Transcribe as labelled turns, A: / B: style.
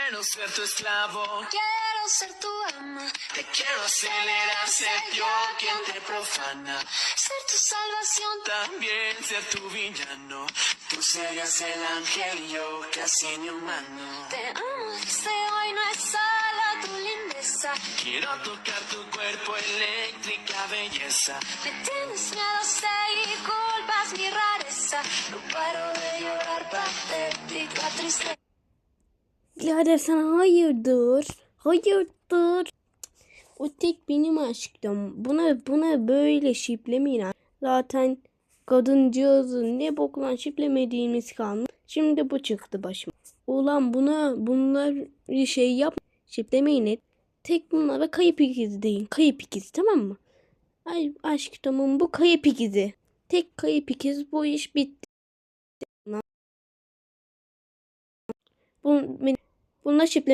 A: Quiero ser tu esclavo,
B: Quiero ser tu ama,
A: te quiero acelerar, ser yo quien te profana.
B: ser tu salvación.
A: También ser tu villano, tú serías el ángel y yo casi ni humano.
B: Te amo desde hoy, no es solo tu lindeza.
A: Quiero tocar tu cuerpo, eléctrica belleza.
B: Me tienes miedo, sé y culpas mi rareza. No paro de llorar, patética tristeza.
C: Birader sana hayırdır? Hayırdır? O tek benim aşkım. Buna böyle şiplemeyin. Zaten kadıncağızın ne boklan şiplemediğimiz kalmış. Şimdi bu çıktı başıma. Ulan bunlar şey yap. Şiplemeyin et. Tek bunlara kayıp ikizi deyin. Kayıp ikizi, tamam mı? Ay aşkımın bu kayıp ikizi. Tek kayıp ikiz, bu iş bitti. Bununla şiple